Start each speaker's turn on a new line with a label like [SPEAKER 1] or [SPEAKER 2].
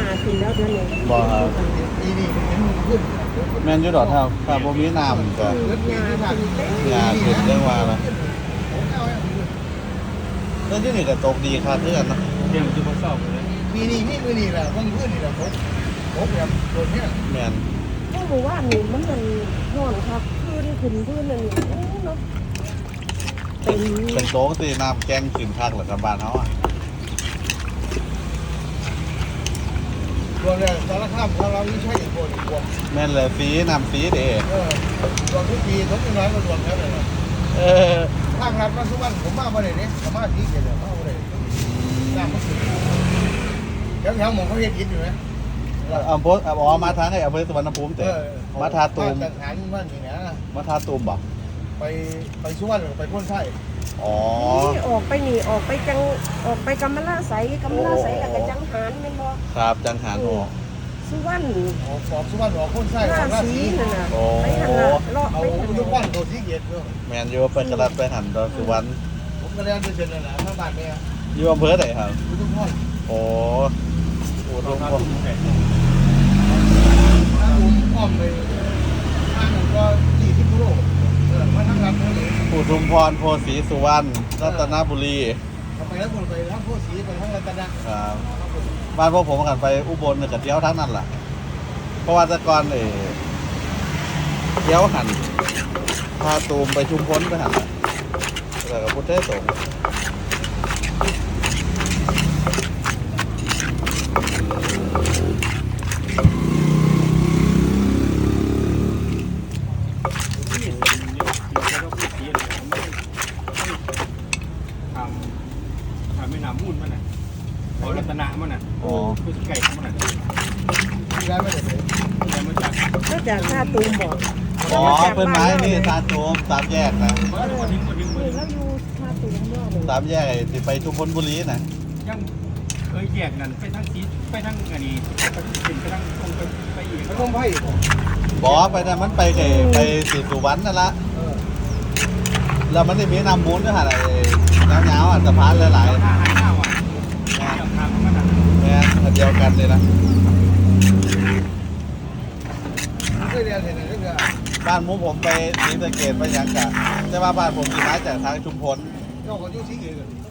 [SPEAKER 1] ขึ้นแล้วเดือนนี้
[SPEAKER 2] บ่ครับ
[SPEAKER 3] ปีนี้มันขึ้น
[SPEAKER 2] แม่นอยู่ดอกถ้าบ่มีน้ำก็
[SPEAKER 1] ยาขึ้นเต้
[SPEAKER 2] ยาขึ้นเรื่องว่าละเรื่องที่นี่ก็ตกดีครับเพื่อนเนาะ
[SPEAKER 4] เรื่องที่เขาสอบเลย
[SPEAKER 3] ปีนี้นี่มือนี่แหละมันขึ้นนี่แหละผมแบบโดนเนี่ย
[SPEAKER 2] แม่น
[SPEAKER 1] เพราะว่านี่มันร้อนครับพื้นนั่นนี่โอ้เนาะเป็น
[SPEAKER 2] เป็นโต๊ะที่น้ำแกงขึ้นคักเหรอครับบ้านเฮาอ่ะ
[SPEAKER 3] รวมเนี่ยสารคามของเรานี่ใช่อย่างโกนอีกพวก
[SPEAKER 2] แม่นเลยฟรีน้ำฟรีเด้
[SPEAKER 3] รวมทุกปีทุกน้อยก็รวมแล้วเลย
[SPEAKER 2] เออ
[SPEAKER 3] ทางรัฐมาทุกวันผมมาบ่ได้เนี่ยมาที่เดียวมาบ่ได้น้ำมันขึ้นแถวๆหมองเขาเฮ็ดกินอยู่ไหม
[SPEAKER 2] อำเภออ๋อมาทางไอ้อำเภอสุวรรณภูมิแต่มาทาตูม
[SPEAKER 3] ทหารว่านี่นะ
[SPEAKER 2] มาทาตูมบ่
[SPEAKER 3] ไปสุวรรณไปพ้นไส้
[SPEAKER 2] อ๋อ
[SPEAKER 1] นี่ออกไปนี่ออกไปกำมะลาไสแล้วก็จังหารแม่นบ่
[SPEAKER 2] ครับจังหารออก
[SPEAKER 1] สุวรรณ
[SPEAKER 3] ออกสุวรรณออกพ้นไส้อ
[SPEAKER 1] รา
[SPEAKER 3] อกรา
[SPEAKER 1] ศี
[SPEAKER 3] ศี
[SPEAKER 1] นั่นน่ะ
[SPEAKER 2] โอ้
[SPEAKER 1] ไปหันละเลาะ
[SPEAKER 3] เอา
[SPEAKER 1] ไปหัน
[SPEAKER 3] ทุกวั
[SPEAKER 1] ละ
[SPEAKER 3] นตัวที่เกียรติ
[SPEAKER 2] แม่นอยู่ไปกระดับไปหันดอนสุวรรณ
[SPEAKER 3] ผมก็เรียนด้วยกันนะทางบ้านเนี่ย
[SPEAKER 2] อยู่อำเภอไหนครับ
[SPEAKER 3] ทุกคน
[SPEAKER 2] โอ้โหตรง
[SPEAKER 4] เขา
[SPEAKER 2] ผม
[SPEAKER 4] ตุ้มแข่
[SPEAKER 3] ถ้าผมอ้อมไปทางผมก็20 กิโลมาทางรัฐเลย
[SPEAKER 2] อุทุมพรโพสีสุวรรณรัตนบุรี
[SPEAKER 3] ไปแล้วคนไปทางโพสีไปทางรัตนะครับ
[SPEAKER 2] บ้านพวกผมกันไปอุบลเนี่ยกับเที่ยวทั้งนั้นแหละเพราะว่าแต่ก่อนเที่ยวหันพาตูมไปชุมพลไปหันแล้วกับพุทธเทศสงฆ์
[SPEAKER 4] ที่แล้วก็พูดสีอะไรทำไม่น้ำมูลมันน่ะเอารัตนะมันน่ะ
[SPEAKER 2] อ๋อ
[SPEAKER 4] คือไก่ของมันน่ะ
[SPEAKER 3] ที่ร้านไม่ได้เลย
[SPEAKER 4] แล้วมันจาก
[SPEAKER 1] มาจากท่าตูมบ่
[SPEAKER 2] อ๋อเป็นไม้นี่ตาโจมสามแยกนะ
[SPEAKER 4] มันก็ทิ้งก็ทิ้งก็
[SPEAKER 1] นี่
[SPEAKER 4] ทิ้ง
[SPEAKER 1] เราอยู่ท่าตูมเนาะนี่
[SPEAKER 2] สามแยกที่ไปชุมพลบุรีนะ
[SPEAKER 4] ยังเคยแยกนั่นไปทั้งสีไปทั้งอันนี้ไปทั้งตรงไปอีก
[SPEAKER 3] มันต้องไพ่
[SPEAKER 2] บอกไปนะมันไปไปสุวรรณนั่นละแล้วมันจะมีน้ำมูลด้วยฮะอะไรยาวๆสะพานหลาย
[SPEAKER 4] ทางหน้าว่ะทางมันน่ะ
[SPEAKER 2] ๆเนี่ยเดียวกันเลยนะ
[SPEAKER 3] เคยเรียนเห็นอะไรก็
[SPEAKER 2] บ้านหมูผมไปศรีสะเกษไปยังกะแต่ว่าบ้านผมมีไม้จากทางชุมพล
[SPEAKER 3] เจ้าก็ยุ่งที่อื่น